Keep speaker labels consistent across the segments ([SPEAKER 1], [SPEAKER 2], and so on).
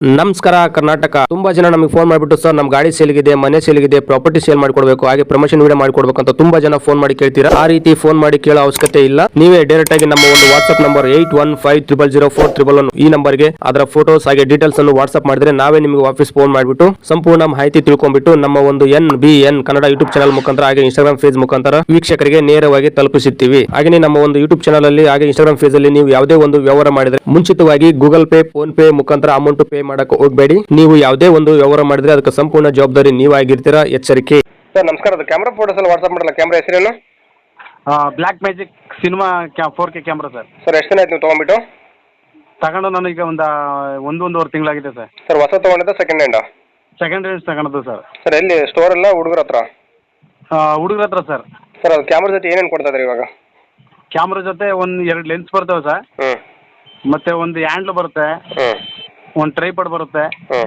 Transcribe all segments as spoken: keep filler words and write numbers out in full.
[SPEAKER 1] ನಮಸ್ಕಾರ ಕರ್ನಾಟಕ. ತುಂಬಾ ಜನ ನಮಗೆ ಫೋನ್ ಮಾಡಿಬಿಟ್ಟು ಸರ್ ನಮ್ಮ ಗಾಡಿ ಸೇಲ್ಗಿದೆ, ಮನೆ ಸೇಲ್ಗಿದೆ, ಪ್ರಾಪರ್ಟಿ ಸೇಲ್ ಮಾಡಿಕೊಡ್ಬೇಕು, ಹಾಗೆ ಪ್ರಮೋಷನ್ ವಿಡಿಯೋ ಮಾಡಿಕೊಡ್ಬೇಕು ಅಂತ ತುಂಬಾ ಜನ ಫೋನ್ ಮಾಡಿ ಕೇಳ್ತೀರಾ. ಆ ರೀತಿ ಫೋನ್ ಮಾಡಿ ಕೇಳೋ ಅವಶ್ಯಕತೆ ಇಲ್ಲ. ನೀವೇ ಡೈರೆಕ್ಟ್ ಆಗಿ ನಮ್ಮ ಒಂದು WhatsApp number eight one five triple zero four triple one ಈ ನಂಬರ್ಗೆ ಅದರ ಫೋಟೋಸ್ ಹಾಗೆ ಡೀಟೇಲ್ಸ್ ಅನ್ನು ವಾಟ್ಸ್ಆಪ್ ಮಾಡಿದ್ರೆ ನಾವೇ ನಿಮಗೆ ವಾಪಸ್ ಫೋನ್ ಮಾಡಿಬಿಟ್ಟು ಸಂಪೂರ್ಣ ಮಾಹಿತಿ ತಿಳ್ಕೊಂಡ್ಬಿಟ್ಟು ನಮ್ಮ ಒಂದು N B N Kannada YouTube channel ಮುಖಾಂತರ ಹಾಗೆ ಇನ್ಸ್ಟಾಗ್ರಾಮ್ ಫೇಸ್ ಮುಖಾಂತರ ವೀಕ್ಷಕರಿಗೆ ನೇರವಾಗಿ ತಲುಪಿಸುತ್ತೀವಿ. ಹಾಗೆ ನಮ್ಮ ಒಂದು ಯೂಟ್ಯೂಬ್ ಚಾನಲ್ ಅಲ್ಲಿ ಹಾಗೆ ಇನ್ಸ್ಟಾಗ್ರಾಮ್ ಫೇಸ್ ಅಲ್ಲಿ ನೀವು ಯಾವುದೇ ಒಂದು ವ್ಯವಹಾರ ಮಾಡಿದ್ರೆ ಮುಂಚಿತವಾಗಿ ಗೂಗಲ್ ಪೇ, ಫೋನ್ ಪೇ ಮುಖಾಂತರ ಅಮೌಂಟ್ ಪೇ ಮಾಡಕ್ಕೆ ಹೋಗಬೇಡಿ. ನೀವು ಯಾವುದೇ ಒಂದು ವ್ಯವಹಾರ ಮಾಡಿದ್ರೆ ಅದಕ್ಕೆ ಸಂಪೂರ್ಣ ಜವಾಬ್ದಾರಿ ನೀವಾಗಿರ್ತೀರಾ, ಎಚ್ಚರಿಕೆ.
[SPEAKER 2] ಸರ್ ನಮಸ್ಕಾರ, ಅದು ಕ್ಯಾಮ್ರಾ ಫೋಟೋಸ್ ಎಲ್ಲ ವಾಟ್ಸ್ಆಪ್ ಮಾಡಲ್ಲ. ಕ್ಯಾಮ್ರಾ ಹೆಸರೇನು?
[SPEAKER 3] ಬ್ಲ್ಯಾಕ್ ಮ್ಯಾಜಿಕ್ ಸಿನಿಮಾ ಕ್ಯಾ four K camera sir.
[SPEAKER 2] Sir ಎಷ್ಟು ದಿನ ಆಯ್ತು ನೀವು ತೊಗೊಂಡ್ಬಿಟ್ಟು?
[SPEAKER 3] ತಗೊಂಡು ನನಗೆ ಒಂದು ಒಂದು ಒಂದೂವರೆ ತಿಂಗಳಾಗಿದೆ ಸರ್.
[SPEAKER 2] ಸರ್ ಹೊಸ ತೊಗೊಂಡಿದ್ದ ಸೆಕೆಂಡ್ ಹ್ಯಾಂಡಾ?
[SPEAKER 3] ಸೆಕೆಂಡ್ ಹ್ಯಾಂಡ್ ತಗೊಂಡದ್ದು ಸರ್.
[SPEAKER 2] ಸರ್ ಎಲ್ಲಿ ಸ್ಟೋರ್ ಎಲ್ಲ ಹುಡುಗರ ಹತ್ರ?
[SPEAKER 3] ಹುಡುಗರ ಹತ್ರ ಸರ್.
[SPEAKER 2] ಸರ್ ಅದು ಕ್ಯಾಮ್ರಾ ಜೊತೆ ಏನೇನು ಕೊಡ್ತಾ ಇದ್ರಿ ಇವಾಗ?
[SPEAKER 3] ಕ್ಯಾಮ್ರಾ ಜೊತೆ ಒಂದು ಎರಡು ಲೆನ್ಸ್ ಬರ್ತವೆ ಸರ್.
[SPEAKER 2] ಹ್ಞೂ.
[SPEAKER 3] ಮತ್ತೆ ಒಂದು ಹ್ಯಾಂಡ್ಲ್ ಬರುತ್ತೆ,
[SPEAKER 2] ಹ್ಞೂ.
[SPEAKER 3] ಒಂದು ಟ್ರೈಪಾಡ್ ಬರುತ್ತೆ,
[SPEAKER 2] ಹ್ಞೂ.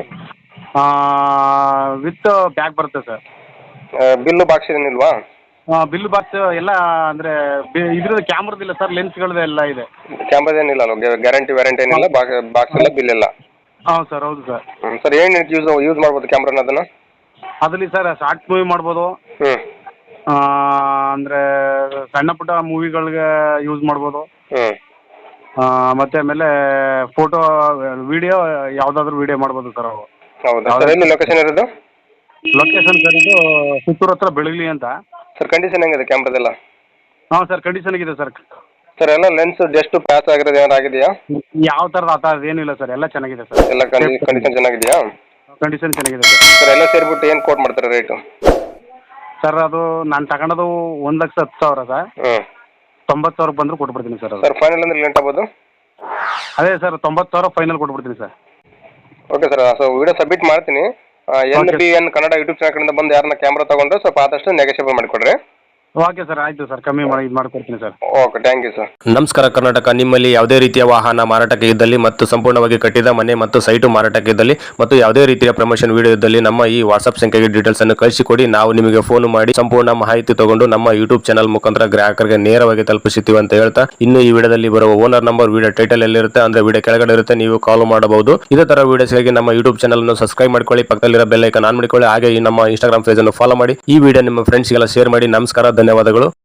[SPEAKER 3] ವಿತ್ ಬ್ಯಾಗ್ ಬರುತ್ತೆ ಸರ್.
[SPEAKER 2] ಬಿಲ್ಲು ಬಾಕ್ಸ್ ಏನಿಲ್ವಾ?
[SPEAKER 3] ಬಿಲ್ ಬಾಕ್ಸ್ ಎಲ್ಲ ಅಂದರೆ ಇದ್ರದ್ದು ಕ್ಯಾಮ್ರದಿಲ್ಲ ಸರ್, ಲೆನ್ಸ್ಗಳದ್ದು ಎಲ್ಲ ಇದೆ.
[SPEAKER 2] ಕ್ಯಾಮ್ರಾದ ಏನಿಲ್ಲ ಅಲ್ಲ, ಗ್ಯಾರಂಟಿ ವ್ಯಾರಂಟಿ ಏನಿಲ್ಲ, ಬಾಕ್ಸ್ ಎಲ್ಲ ಬಿಲ್ ಎಲ್ಲ?
[SPEAKER 3] ಹಾಂ ಸರ್, ಹೌದು ಸರ್.
[SPEAKER 2] ಹ್ಞೂ. ಸರ್ ಏನು ಯೂಸ್ ಯೂಸ್ ಮಾಡ್ಬೋದು ಕ್ಯಾಮ್ರಾನ ಅದನ್ನು?
[SPEAKER 3] ಅದರಲ್ಲಿ ಸರ್ ಶಾರ್ಟ್ ಮೂವಿ ಮಾಡ್ಬೋದು,
[SPEAKER 2] ಹ್ಞೂ.
[SPEAKER 3] ಅಂದರೆ ಸಣ್ಣ ಪುಟ್ಟ ಮೂವಿಗಳಿಗೆ ಯೂಸ್ ಮಾಡ್ಬೋದು.
[SPEAKER 2] ಹ್ಞೂ.
[SPEAKER 3] ಮತ್ತೆ ಆಮೇಲೆ ಫೋಟೋ ವಿಡಿಯೋ ಯಾವುದಾದ್ರೂ ವಿಡಿಯೋ ಮಾಡ್ಬೋದು ಸರ್ ಅವು.
[SPEAKER 2] ಹೌದಾ ಸರ್? ಎಲ್ಲಿ ಲೊಕೇಶನ್ ಇರೋದು?
[SPEAKER 3] ಲೊಕೇಶನ್ ಸರ್ ಇದು ಪುತ್ತೂರು ಹತ್ರ ಬೆಳಗ್ಲಿ ಅಂತ.
[SPEAKER 2] ಸರ್ ಕಂಡೀಷನ್ ಹೆಂಗಿದೆ ಕ್ಯಾಮ್ರಾದೆಲ್ಲ?
[SPEAKER 3] ಹಾಂ ಸರ್, ಕಂಡೀಷನ್ ಇದೆ ಸರ್.
[SPEAKER 2] ಸರ್ ಎಲ್ಲ ಲೆನ್ಸ್ ಜಸ್ಟ್ ಪ್ಯಾಚ್ ಆಗಿರೋದು ಏನಾರು ಆಗಿದೆಯಾ?
[SPEAKER 3] ಯಾವ ಥರದ ಆ ಥರದ್ದು ಏನಿಲ್ಲ ಸರ್, ಎಲ್ಲ ಚೆನ್ನಾಗಿದೆ ಸರ್.
[SPEAKER 2] ಎಲ್ಲ ಕಂಡೀಷನ್ ಚೆನ್ನಾಗಿದೆಯಾ?
[SPEAKER 3] ಕಂಡೀಷನ್ ಚೆನ್ನಾಗಿದೆ ಸರ್.
[SPEAKER 2] ಸರ್ ಎಲ್ಲ ಸೇರಿಬಿಟ್ಟು ಏನು ಕೋಟ್ ಮಾಡ್ತಾರೆ ರೇಟು?
[SPEAKER 3] ಸರ್ ಅದು ನಾನು ತಗೊಂಡದು ಒಂದು ಲಕ್ಷ ಹತ್ತು ಸಾವಿರ ಸರ್.
[SPEAKER 2] ಹ್ಞೂ.
[SPEAKER 3] ತೊಂಬತ್ತು ಸಾವಿರ ಬಂದರೂ ಕೊಟ್ಬಿಡ್ತೀನಿ ಸರ್.
[SPEAKER 2] ಸರ್ ಫೈನಲ್ ಅಂದ್ರೆ ಲೇಟ್ ಆಗ್ಬೋದು?
[SPEAKER 3] ಅದೇ ಸರ್, ತೊಂಬತ್ತು ಸಾವಿರ ಫೈನಲ್ ಕೊಟ್ಬಿಡ್ತೀನಿ sir.
[SPEAKER 2] Okay sir, so video submit ಮಾಡ್ತೀನಿ. N B N Kannada YouTube channel ಕಡೆಯಿಂದ ಬಂದು ಯಾರನ್ನ ಕ್ಯಾಮ್ರಾ ತೊಗೊಂಡ್ರೆ ಸ್ವಲ್ಪ ಆದಷ್ಟು ನೆಗೋಷಿಯೇಬಲ್ ಮಾಡಿಕೊಡ್ರಿ.
[SPEAKER 3] ಓಕೆ ಸರ್, ಆಯಿತು ಸರ್, ಕಮ್ಮಿ ಮಾಡಿ ಇದು ಮಾಡಿಕೊಡ್ತೀನಿ sir.
[SPEAKER 2] Okay, thank you sir.
[SPEAKER 1] ನಮಸ್ಕಾರ ಕರ್ನಾಟಕ. ನಿಮ್ಮಲ್ಲಿ ಯಾವುದೇ ರೀತಿಯ ವಾಹನ ಮಾರಾಟಕ್ಕೆ ಇದ್ದಲ್ಲಿ ಮತ್ತು ಸಂಪೂರ್ಣವಾಗಿ ಕಟ್ಟಿದ ಮನೆ ಮತ್ತು ಸೈಟು ಮಾರಾಟಕ್ಕೆ ಇದ್ದಲ್ಲಿ ಮತ್ತು ಯಾವುದೇ ರೀತಿಯ ಪ್ರಮೋಷನ್ ವಿಡಿಯೋ ಇದ್ದಲ್ಲಿ ನಮ್ಮ ಈ ವಾಟ್ಸ್ಆಪ್ ಸಂಖ್ಯೆಗೆ ಡೀಟೇಲ್ಸ್ ಅನ್ನು ಕಳಿಸಿಕೊಡಿ. ನಾವು ನಿಮಗೆ ಫೋನ್ ಮಾಡಿ ಸಂಪೂರ್ಣ ಮಾಹಿತಿ ತಗೊಂಡು ನಮ್ಮ ಯೂಟ್ಯೂಬ್ ಚಾನಲ್ ಮುಖಾಂತರ ಗ್ರಾಹಕರಿಗೆ ನೇರವಾಗಿ ತಲುಪಿಸುತ್ತೀವಿ ಅಂತ ಹೇಳ್ತಾ, ಇನ್ನು ಈ ವಿಡಿಯೋದಲ್ಲಿ ಬರುವ ಓನರ್ ನಂಬರ್ ವಿಡಿಯೋ ಟೈಟಲ್ ಎಲ್ಲಿರುತ್ತೆ ಅಂದ್ರೆ ವಿಡಿಯೋ ಕೆಳಗಡೆ ಇರುತ್ತೆ, ನೀವು ಕಾಲ್ ಮಾಡಬಹುದು. ಇದೇ ತರ ವಿಡಿಯೋಸ್ಗಾಗಿ ನಮ್ಮ ಯೂಟ್ಯೂಬ್ ಚಾನಲ್ ಅನ್ನು ಸಬ್ಸ್ಕ್ರೈಬ್ ಮಾಡ್ಕೊಳ್ಳಿ, ಪಕ್ಕದಲ್ಲಿರೋ ಬೆಲ್ ಐಕಾನ್ ಆನ್ ಮಾಡಿಕೊಳ್ಳಿ, ಹಾಗೆ ಈ ನಮ್ಮ ಇನ್ಸ್ಟಾಗ್ರಾಮ್ ಪೇಜ್ ಅನ್ನು ಫಾಲೋ ಮಾಡಿ. ಈ ವಿಡಿಯೋ ನಿಮ್ಮ ಫ್ರೆಂಡ್ಸ್ಗೆಲ್ಲ ಶೇರ್ ಮಾಡಿ. ನಮಸ್ಕಾರ, ಧನ್ಯವಾದಗಳು.